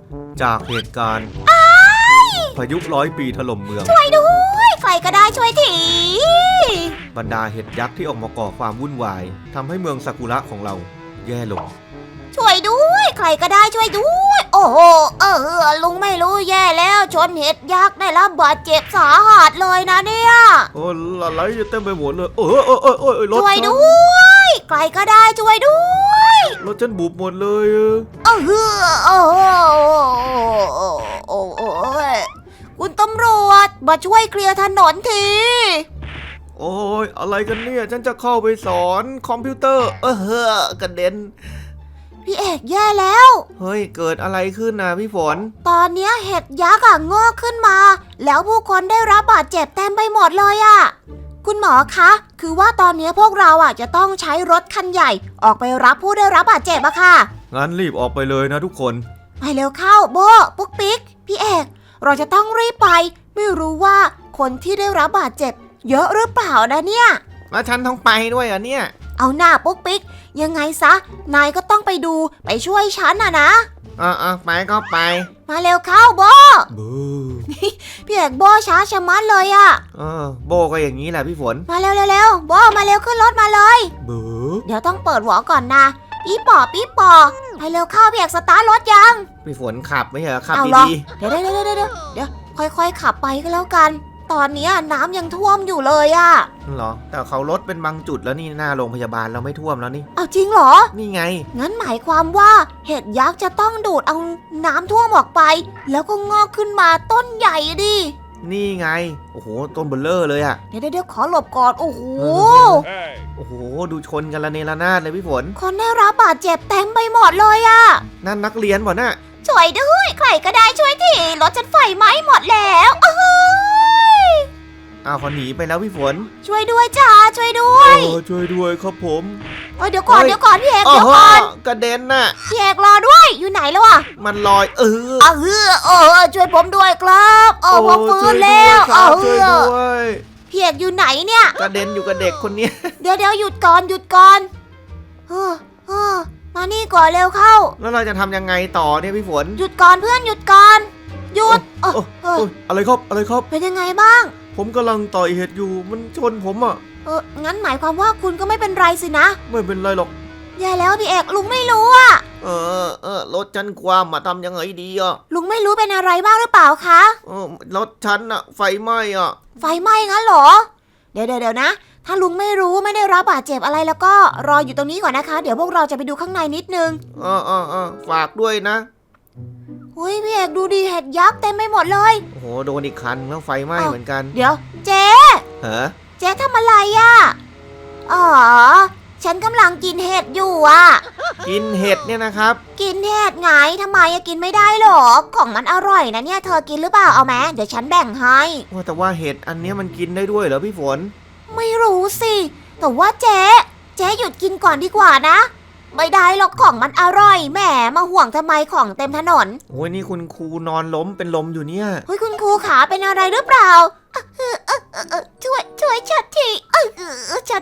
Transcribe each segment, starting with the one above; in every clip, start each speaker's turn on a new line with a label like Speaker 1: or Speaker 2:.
Speaker 1: จากเหตุการณ์พายุ100 ปีถล่มเมือง
Speaker 2: ช่วยด้วยใครก็ได้ช่วยที
Speaker 1: บรรดาเห็ดยักษ์ที่ออกมาก่อความวุ่นวายทำให้เมืองซากุระของเราแย่ลง
Speaker 2: ช่วยด้วยใครก็ได้ช่วยด้วยโอ้โหลุงไม่รู้แย่แล้วชนเห็ดยักษ์ได้รับบาดเจ็บสาหัสเลยนะเนี่ย
Speaker 1: โอ้อะไรเต็มไปหมดเลยรถ
Speaker 2: ช่วยด้วยใครก็ได้ช่วยด้วย
Speaker 1: รถฉันบุบหมดเลย
Speaker 2: คุณตำรวจมาช่วยเคลียร์ถนนที
Speaker 1: โอ้ยอะไรกันเนี่ยฉันจะเข้าไปสอนคอมพิวเตอร์กระเด็น
Speaker 2: พี่เอกแย่แล้ว
Speaker 1: เฮ้ยเกิดอะไรขึ้นนะพี่ฝน
Speaker 2: ตอนนี้เห็ดยักษ์งอกขึ้นมาแล้วผู้คนได้รับบาดเจ็บเต็มไปหมดเลยคุณหมอคะคือว่าตอนนี้พวกเราจะต้องใช้รถคันใหญ่ออกไปรับผู้ได้รับบาดเจ็บค่ะ
Speaker 1: งั้นรีบออกไปเลยนะทุกคน
Speaker 2: ไปเร็วเข้าโบปุ๊กปิ๊กพี่เอกเราจะต้องรีบไปไม่รู้ว่าคนที่ได้รับบาดเจ็บเยอะหรือเปล่านะเนี่ย
Speaker 1: แล้วฉันต้องไปด้วยเนี่ย
Speaker 2: เอาหน้าปุ๊กปิ๊กยังไงซะนายก็ต้องไปดูไปช่วยฉันนะ
Speaker 1: ไปก็ไป
Speaker 2: มาเร็วเข้าโบพี่เอกโบช้าชะมัดเลย
Speaker 1: โบก็อย่างนี้แหละพี่ฝน
Speaker 2: มาเร็วโบมาเร็วขึ้นรถมาเลยเดี๋ยวต้องเปิดหัวก่อนนะปี๊ปอไปเร็วเข้าพี่เอกสตาร์ทรถยัง
Speaker 1: พี่ฝนขับไม่ใช่เหรอขับดี
Speaker 2: ๆเดี๋ยวค่อยๆขับไปก็แล้วกันตอนนี้น้ำยังท่วมอยู่เลย
Speaker 1: เหรอแต่เขาลดเป็นบางจุดแล้วนี่หน้าโรงพยาบาลเราไม่ท่วมแล้วนี่
Speaker 2: เอาจริงเหรอ
Speaker 1: นี่ไง
Speaker 2: งั้นหมายความว่าเห็ดยักษ์จะต้องดูดเอาน้ำท่วมออกไปแล้วก็งอกขึ้นมาต้นใหญ่ดิ
Speaker 1: นี่ไงโอ้โหต้นเบลเลอร์เลย
Speaker 2: เดี๋ยวขอหลบก่อนโอ้โห
Speaker 1: ดูชนกันละเนระนาดเลยพี่ฝน
Speaker 2: คนได้รับบาดเจ็บเต็มไปหมดเลย
Speaker 1: นั่นนักเรียนป่ะน่ะ
Speaker 2: ช่วยด้วยใครก็ได้ช่วยทีรถฉันไฟไหม้หมดแล้ว
Speaker 1: เขาหนีไปแล้วพี่ฝน
Speaker 2: ช่วยด้วยจ้าช่วยด้วย
Speaker 1: ช่วยด้วยครับผม
Speaker 2: เดี๋ยวก่อนพี่เอกเดี๋ยวก่อน
Speaker 1: กระเด็นน่ะ
Speaker 2: พี่เอกรอด้วยอยู่ไหนแล้ว
Speaker 1: มันลอย
Speaker 2: ช่วยผมด้วยครับผมฟื้นแล้ว
Speaker 1: ช่วยด้วย
Speaker 2: พี่เอกอยู่ไหนเนี่ย
Speaker 1: กระเด็นอยู่กับเด็กคนนี้
Speaker 2: เดี๋ยวหยุดก่อนมานี่ก่อนเร็วเข้า
Speaker 1: แล้วเราจะทำยังไงต่อเนี่ยพี่ฝน
Speaker 2: หยุดก่อนเพื่อนหยุดก่อนหยุด
Speaker 1: อะไรครับ
Speaker 2: เป็นยังไงบ้าง
Speaker 1: ผมกำลังต่อยเห็ดอยู่มันชนผม
Speaker 2: งั้นหมายความว่าคุณก็ไม่เป็นไรสินะ
Speaker 1: ไม่เป็นไรหรอก
Speaker 2: แย่แล้วพี่เอกลุงไม่รู้
Speaker 1: รถฉันความมาทำยังไงดี
Speaker 2: ลุงไม่รู้เป็นอะไรบ้างหรือเปล่าคะ
Speaker 1: รถฉันไฟไหม้
Speaker 2: ไฟไหม้งั้นเหรอเดี๋ยวนะถ้าลุงไม่รู้ไม่ได้รับบาดเจ็บอะไรแล้วก็รออยู่ตรงนี้ก่อนนะคะเดี๋ยวพวกเราจะไปดูข้างในนิดนึง
Speaker 1: ฝากด้วยนะ
Speaker 2: พี่เอกดูดิเห็ดยักษ์เต็มไปหมดเลย
Speaker 1: โอ้โหโดนอีกคันแล้วไฟไหม้เหมือนกัน
Speaker 2: เดี๋ยวเจ๊เจ๊ทำอะไรฉันกำลังกินเห็ดอยู่
Speaker 1: กินเห็ดเนี่ยนะครับ
Speaker 2: กินเห็ดไงทำไมกินไม่ได้หรอของมันอร่อยนะเนี่ยเธอกินหรือเปล่าเอาไหมเดี๋ยวฉันแบ่งให้
Speaker 1: แต่ว่าเห็ดอันนี้มันกินได้ด้วยเหรอพี่ฝน
Speaker 2: ไม่รู้สิแต่ว่าเจ๊หยุดกินก่อนดีกว่านะไม่ได้หรอกของมันอร่อยแหมมาห่วงทำไมของเต็มถนน
Speaker 1: โอ้ยนี่คุณครูนอนล้มเป็นลมอยู่เนี่ย
Speaker 2: คุณครูขาเป็นอะไรหรือเปล่าช่วยฉันทีฉัน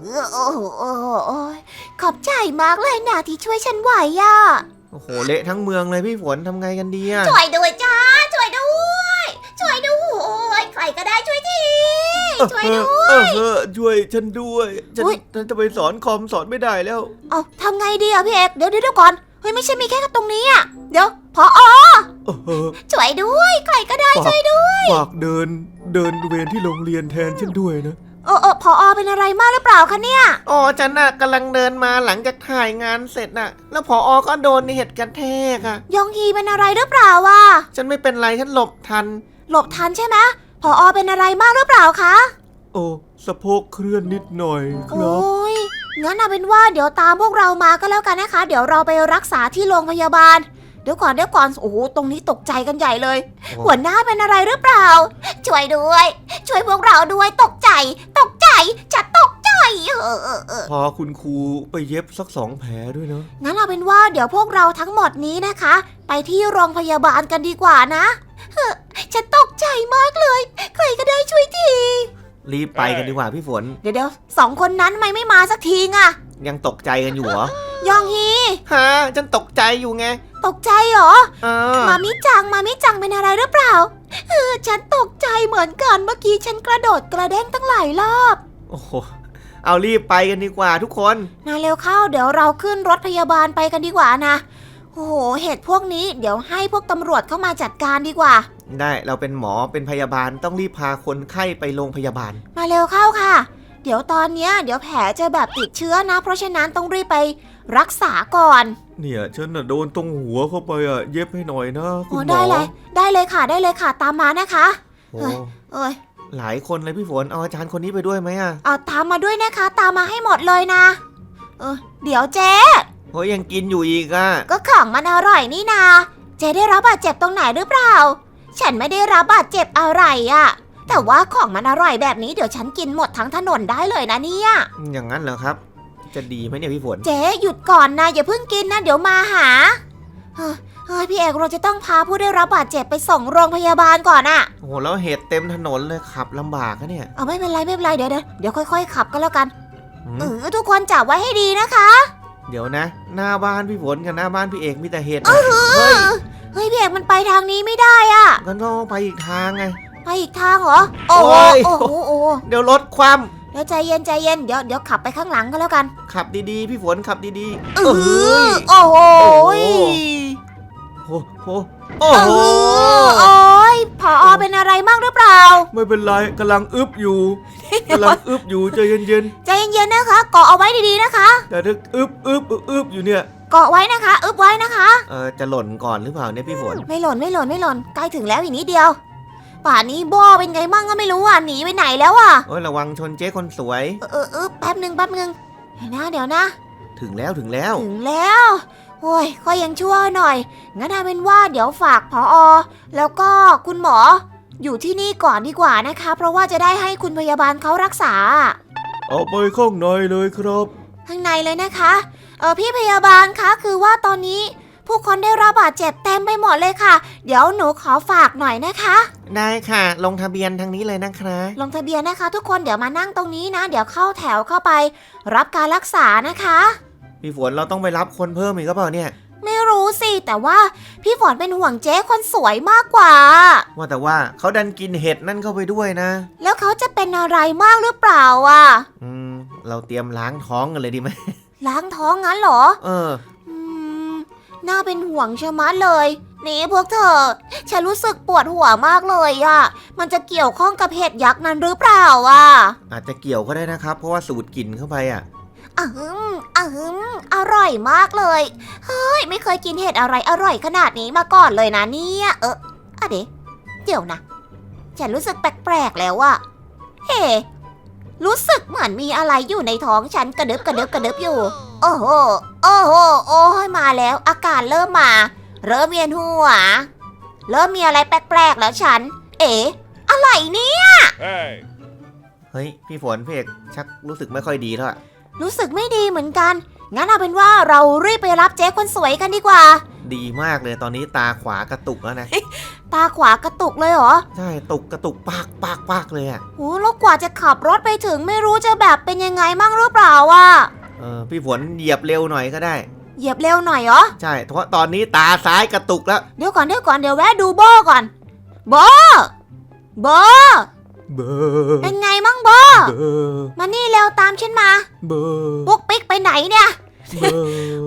Speaker 2: ขอบใจมากเลยนะที่ช่วยฉันไหว
Speaker 1: โอ้โหเละทั้งเมืองเลยพี่ฝนทำไงกันดี
Speaker 2: ช่วยด้วยจ้าช่วยด้วยใครก็ได้ช่วยทีช่วยด้วย
Speaker 1: ช่วยฉันด้วยฉันจะไปสอนคอมสอนไม่ได้แล้ว
Speaker 2: ทำไงดีพี่เอกเดี๋ยวก่อนไม่ใช่มีแค่ตรงนี้เดี๋ยวผอช่วยด้วยใครก็ได้ช่วยด้วย
Speaker 1: ฝากเดินเวรที่โรงเรียนแทนฉันด้วยนะ
Speaker 2: ผอเป็นอะไรมากหรือเปล่าคะเนี่ย
Speaker 1: ฉันกำลังเดินมาหลังจากถ่ายงานเสร็จแล้วผอก็โดนเห็ดกระแทก
Speaker 2: ยองฮีเป็นอะไรหรือเปล่า
Speaker 1: ฉันไม่เป็นไรฉันหลบทัน
Speaker 2: ใช่ไหมผอเป็นอะไรมากหรือเปล่าคะ
Speaker 1: สะโพกเคลื่อนนิดหน่อยครับ
Speaker 2: งั้นเอาเป็นว่าเดี๋ยวตามพวกเรามาก็แล้วกันนะคะเดี๋ยวเราไปรักษาที่โรงพยาบาลเดี๋ยวก่อนโอ้โหตรงนี้ตกใจกันใหญ่เลยหัวหน้าเป็นอะไรหรือเปล่าช่วยด้วยช่วยพวกเราด้วยตกใจจะตกใจ
Speaker 1: พอคุณครูไปเย็บสัก2 แผลด้วยเนาะ
Speaker 2: งั้นเอาเป็นว่าเดี๋ยวพวกเราทั้งหมดนี้นะคะไปที่โรงพยาบาลกันดีกว่านะฉันตกใจมากเลยใครก็ได้ช่วยที
Speaker 1: รีบไปกันดีกว่าพี่ฝน
Speaker 2: เดี๋ยว2 คนนั้นไม่มาสักที
Speaker 1: ยังตกใจกันอยู่เหรอ
Speaker 2: ยองฮี
Speaker 1: ฮะฉันตกใจอยู่ไง
Speaker 2: ตกใจเหรอ
Speaker 1: เออ
Speaker 2: มามิจังเป็นอะไรหรือเปล่าฉันตกใจเหมือนกันเมื่อกี้ฉันกระโดดกระเด้งตั้งหลายรอบ
Speaker 1: โอ้โหเอารีบไปกันดีกว่าทุกคน
Speaker 2: นะเร็วเข้าเดี๋ยวเราขึ้นรถพยาบาลไปกันดีกว่านะโอ้โหเหตุพวกนี้เดี๋ยวให้พวกตำรวจเข้ามาจัดการดีกว่า
Speaker 1: ได้เราเป็นหมอเป็นพยาบาลต้องรีบพาคนไข้ไปโรงพยาบาล
Speaker 2: มาเร็วเข้าค่ะ เดี๋ยวตอนเนี้ยเดี๋ยวแผลจะแบบติดเชื้อนะ เพราะฉะนั้นต้องรีบไปรักษาก่อน
Speaker 1: เนี่ยฉันน่ะโดนตรงหัวเข้าไปอ่ะเย็บให้หน่อยนะคุณหมอ
Speaker 2: ได้เลยค่ะตามมานะคะ
Speaker 1: โอ้
Speaker 2: เอ้ย
Speaker 1: หลายคนเลยพี่ฝนเอาอาจารย์คนนี้ไปด้วยไหมอ่ะ
Speaker 2: เอาตามมาด้วยนะคะ ตามมาให้หมดเลยนะเดี๋ยวเจ๊
Speaker 1: โอ้ยยังกินอยู่อีกอ่ะ
Speaker 2: ก็ของมันอร่อยนี่นาเจ๊ได้รับบาดเจ็บตรงไหนหรือเปล่า ฉันไม่ได้รับบาดเจ็บอะไรอะแต่ว่าของมันอร่อยแบบนี้เดี๋ยวฉันกินหมดทั้งถนนได้เลยนะเนี่ย
Speaker 1: อย่างนั้นเหรอครับ จะดีไหมเนี่ยพี่ฝน
Speaker 2: เจ๊หยุดก่อนนะอย่าเพิ่งกินนะเดี๋ยวมาหาเฮ้ยพี่เอกเราจะต้องพาผู้ได้รับบาดเจ็บไปส่งโรงพยาบาลก่อนอะ
Speaker 1: โอ้โหแล้วเห็ดเต็มถนนเลยขับลำบากนะเนี่ย
Speaker 2: เอาไม่เป็นไรเดี๋ยวค่อยๆขับก็แล้วกัน
Speaker 1: อืม
Speaker 2: ทุกคนจับไว้ให้ดีนะคะ
Speaker 1: เดี๋ยวนะ หน้าบ้านพี่ฝนกับหน้าบ้านพี่เอกมีแต่เห็ดนะเฮ้ย
Speaker 2: พี่เอกมันไปทางนี้ไม่ได้อะ
Speaker 1: งั้นก็ไปอีกทางไง
Speaker 2: ไปอีกทางเหรอโอ้โห
Speaker 1: โอ้ย
Speaker 2: โอ้โห
Speaker 1: เดี๋ยวรถคว่
Speaker 2: เดี๋ยวใจเย็นเดี๋ยวขับไปข้างหลังก็แล้วกัน
Speaker 1: ำขับดีๆพี่ฝนขับดีๆ
Speaker 2: โอ้โห
Speaker 1: โอ้โหโอ้โห
Speaker 2: โอ้ยผอเป็นอะไรมากหรือเปล่า
Speaker 1: ไม่เป็นไรกำลังอึบอยู่ใจเย็น
Speaker 2: ใจเย็นๆนะคะเกาะเอาไว้ดีๆนะคะ
Speaker 1: ๆแต่ถ้าอึบอยู่เนี่ย
Speaker 2: เกาะไว้นะคะอึบไว้นะคะ
Speaker 1: จะหล่นก่อนหรือเปล่าเนี่ยพี่ฝน
Speaker 2: ไม่หล่นใกล้ถึงแล้วอีกนิดเดียว ป่านนี้โบเป็นไงมั่งก็ไม่รู้อ่ะหนีไปไหนแล้วอ่ะ
Speaker 1: โอ้ยระวังชนเจ๊คนสวย
Speaker 2: แป๊บนึงเดี๋ยวนะ
Speaker 1: ถึงแล้ว
Speaker 2: ถึงแล้วโอ้ยก็ยังชั่วหน่อยงั้นเอาเป็นว่าเดี๋ยวฝากผอแล้วก็คุณหมอ อยู่ที่นี่ก่อนดีกว่านะคะ เพราะว่าจะได้ให้คุณพยาบาลเขารักษา
Speaker 1: เอาไปข้างในเลยครับ
Speaker 2: ข้างในเลยนะคะพี่พยาบาลคะคือว่าตอนนี้ผู้คนได้รับบาดเจ็บเต็มไปหมดเลยค่ะ เดี๋ยวหนูขอฝากหน่อยนะคะ
Speaker 1: ได้ค่ะ ลงทะเบียนทางนี้เลยนะครับ
Speaker 2: ลงทะเบียนนะคะ ทุกคนเดี๋ยวมานั่งตรงนี้นะ เดี๋ยวเข้าแถวเข้าไป รับการรักษานะคะ
Speaker 1: พี่ฝนเราต้องไปรับคนเพิ่มอีกหรือเปล่าเนี่ย
Speaker 2: ไม่รู้สิแต่ว่าพี่ฝนเป็นห่วงเจ๊คนสวยมากกว่า
Speaker 1: ว่าแต่ว่าเขาดันกินเห็ดนั่นเข้าไปด้วยนะ
Speaker 2: แล้วเขาจะเป็นอะไรมากหรือเปล่าอ่ะ
Speaker 1: เราเตรียมล้างท้องกันเลยดีไหม
Speaker 2: ล้างท้องงั้นเหรอ น่าเป็นห่วงชะมัดเลยนี่พวกเธอฉันรู้สึกปวดหัวมากเลยอ่ะมันจะเกี่ยวข้องกับเห็ดยักษ์นั้นหรือเปล่าอ่ะ
Speaker 1: อาจจะเกี่ยวก็ได้นะครับ เพราะว่าสูดกลิ่นเข้าไปอ่ะ
Speaker 2: อร่อยมากเลยเฮ้ยไม่เคยกินเห็ดอะไรอร่อยขนาดนี้มาก่อนเลยนะเนี่ยเดี๋ยวนะฉันรู้สึกแปลกๆแล้วอะเฮ้รู้สึกเหมือนมีอะไรอยู่ในท้องฉันกระดึบอยู่ โอ้โหโอ้ยมาแล้วอาการเริ่มมาเริ่มเวียนหัวเริ่มมีอะไรแปลกๆแล้วฉันอะไรเนี่ย
Speaker 1: เฮ้ยพี่ฝนพี่เอกชักรู้สึกไม่ค่อยดีแล้วอะ
Speaker 2: รู้สึกไม่ดีเหมือนกัน งั้นเอาเป็นว่าเรารีบไปรับเจ๊คนสวยกันดีกว่า
Speaker 1: ดีมากเลยตอนนี้ตาขวากระตุกแล้วนะ
Speaker 2: ตาขวากระตุกเลยเหรอ
Speaker 1: ใช่กระตุกปากเลยอ่ะ
Speaker 2: โหแล้วกว่าจะขับรถไปถึงไม่รู้จะแบบเป็นยังไงมั่งหรือเปล่าอ่ะ
Speaker 1: พี่ฝนเหยียบเร็วหน่อยก็ได้
Speaker 2: เหยียบเร็วหน่อยเหรอ
Speaker 1: ใช่เพราะตอนนี้ตาซ้ายกระตุกแล้ว
Speaker 2: เดี๋ยวก่อนเดี๋ยวแวะดูโบก่อนโบ
Speaker 1: เบอร์
Speaker 2: เป็นไงมั่งโบ มานี่เร็วตามฉันมา
Speaker 1: เบอร์
Speaker 2: ปุ๊กปิ๊กไปไหนเนี่ย
Speaker 1: เบอร์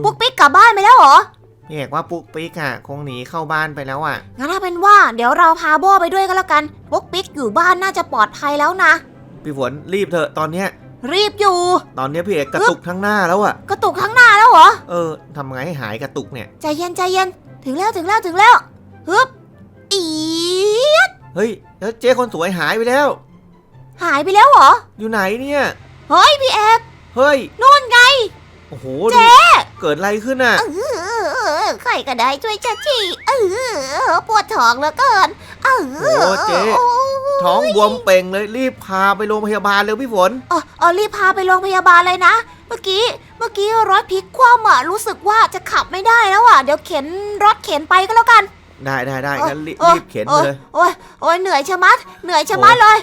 Speaker 2: ปุ๊กปิ๊กกลับบ้านไปแล้วเหรอ
Speaker 1: พี่เอกว่าปุ๊กปิ๊กอ่ะคงหนีเข้าบ้านไปแล้วอ่ะ
Speaker 2: งั้นเอาเป็นว่าเดี๋ยวเราพาโบไปด้วยก็แล้วกัน ปุ๊กปิ๊กอยู่บ้านน่าจะปลอดภัยแล้วนะ
Speaker 1: พี่ฝนรีบเถอะตอนเนี้ย
Speaker 2: รีบอยู่
Speaker 1: ตอนเนี้ยพี่เอกกระตุกทั้งหน้าแล้วอ่ะ
Speaker 2: กระตุกข้างหน้าแล้วเหรอ
Speaker 1: ทำไงให้หายกระตุกเนี่ย
Speaker 2: ใจเย็นถึงแล้วฮึบอีด
Speaker 1: เฮ้ยแล้วเจ๊คนสวยหายไปแล้ว
Speaker 2: หายไปแล้วเหรอ
Speaker 1: อยู่ไหนเนี่ย
Speaker 2: เฮ้ยพี่เอก
Speaker 1: เฮ้ย
Speaker 2: นู่นไง
Speaker 1: โอ้โห
Speaker 2: เจ๊
Speaker 1: เกิดอะไรขึ้นอ่ะ
Speaker 2: ใครก็ได้ช่วยฉันทีปวดท้องเหลือเกิน
Speaker 1: โอ้เจ๊ท้องบวมเป่งเลยรีบพาไปโรงพยาบาลเร็วพี่ฝน
Speaker 2: รีบพาไปโรงพยาบาลเลยนะ เมื่อกี้รถพลิกคว่ำอ่ะรู้สึกว่าจะขับไม่ได้แล้วอ่ะเดี๋ยวเข็นรถเข็นไปก็แล้วกัน
Speaker 1: ได้งั้นรีบเข็นไปเลย
Speaker 2: โอ้ยเหนื่อยชะมัดเลย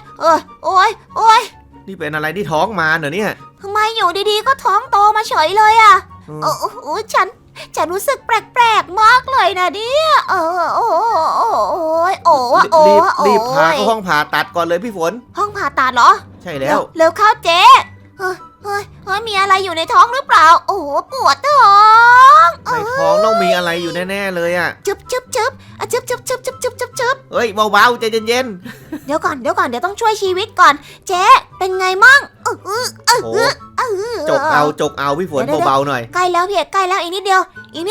Speaker 2: โอ้ย
Speaker 1: นี่เป็นอะไรที่ท้องมาเหรอเนี่ย
Speaker 2: ทำไมอยู่ดีๆก็ท้องโตมาเฉยเลยอ่ะ
Speaker 1: อืม
Speaker 2: โอ้ฉันรู้สึกแปลกๆมากเลยนะเนี่ยโอ้ยโอ้อะโอ้
Speaker 1: รีบ
Speaker 2: อะโอ้
Speaker 1: รีบพาเข้าห้
Speaker 2: ย
Speaker 1: องผ่าตัดก่อนเลยพี่ฝน
Speaker 2: ห้องผ่าตัดเหรอ
Speaker 1: ใช่แล้ว
Speaker 2: เร็วเข้าเจ๊เฮ้ยมีอะไรอยู่ในท้องหรือเปล่า โอ้โหปวดท้อง
Speaker 1: ในท้องต้องมีอะไรอยู่แน่ๆเลยอ่ะ
Speaker 2: จึ๊บอ่ะจึ๊บ
Speaker 1: เฮ้ยเบาๆใจเย็น
Speaker 2: เดี๋ยวก่อนเดี๋ยวต้องช่วยชีวิตก่อน เจ๊เป็นไงมั่ง
Speaker 1: ๆโอ้โหจกเอาพี่ฝนเบาๆหน่อย
Speaker 2: ใกล้แล้วพี่ใกล้แล้วอีกนิดเดียว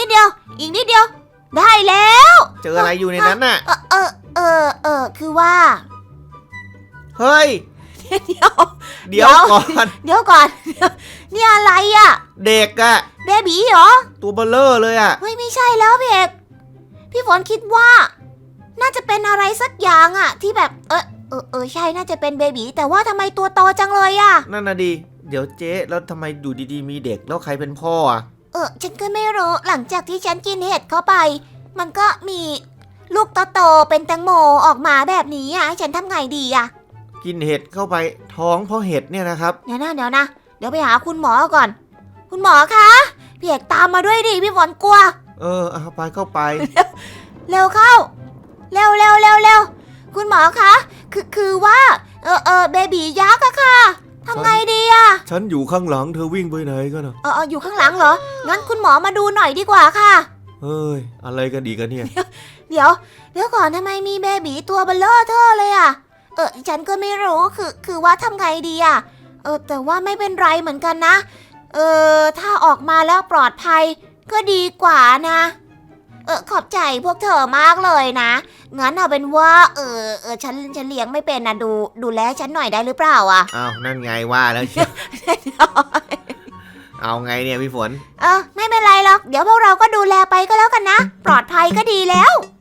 Speaker 2: ได้แล้ว
Speaker 1: เจออะไรอยู่ในนั้นน่ะ
Speaker 2: คือว่า
Speaker 1: เฮ้ย
Speaker 2: เดี๋ยว
Speaker 1: เดี๋ยวก่อน
Speaker 2: นี่อะไรอ่ะ
Speaker 1: เด็กอะ
Speaker 2: เบบีเหรอ
Speaker 1: ตัวเบลเลอร์เลยอะ
Speaker 2: เฮ้ยไม่ใช่แล้วพี่เอกพี่ฝนคิดว่า น่าจะเป็นอะไรสักอย่างอะที่แบบใช่น่าจะเป็นเบบีแต่ว่าทำไมตัวโตจังเลยอะ
Speaker 1: นั่นน่ะดิเดี๋ยวเจ๊แล้วทำไมดูดีๆมีเด็กแล้วใครเป็นพ่ออะ
Speaker 2: ฉันก็ไม่รู้หลังจากที่ฉันกินเห็ดเข้าไป มันก็มีลูกโตๆเป็นแตงโมออกมาแบบนี้อะให้ฉันทำไงดีอะ
Speaker 1: กินเห็ดเข้าไปท้องเพราะเห็ดเนี่ยนะครับ
Speaker 2: เดี๋ยวนะเดี๋ยวไปหาคุณหมอก่อน คุณหมอคะพี่เอกตามมาด้วยดิพี่ฝนกลัว
Speaker 1: เอาไปเข้าไป
Speaker 2: เร็วเข้า เร็วคุณหมอคะคือว่าเบบียักษ์อะค่ะทำไงดีอะ
Speaker 1: ฉันอยู่ข้างหลังเธอวิ่งไปไหนกันอะ
Speaker 2: อยู่ข้างหลังเหรองั้นคุณหมอมาดูหน่อยดีกว่าค่ะ
Speaker 1: เฮ้ยอะไรกันดีกันเนี่ย
Speaker 2: เดี๋ยวก่อนทำไมมีเบบีตัวเบลเลอร์เธอเลยอะฉันก็ไม่รู้คือว่าทำไงดีอะแต่ว่าไม่เป็นไรเหมือนกันนะถ้าออกมาแล้วปลอดภัยก็ดีกว่านะขอบใจพวกเธอมากเลยนะงั้นเอาเป็นว่าฉันเลี้ยงไม่เป็นนะดูแลฉันหน่อยได้หรือเปล่าอะ
Speaker 1: อ้าวนั่นไงว่าแล้วเชียวเอาไงเนี่ยพี่ฝน
Speaker 2: ไม่เป็นไรหรอกเดี๋ยวพวกเราก็ดูแลไปก็แล้วกันนะปลอดภัยก็ดีแล้ว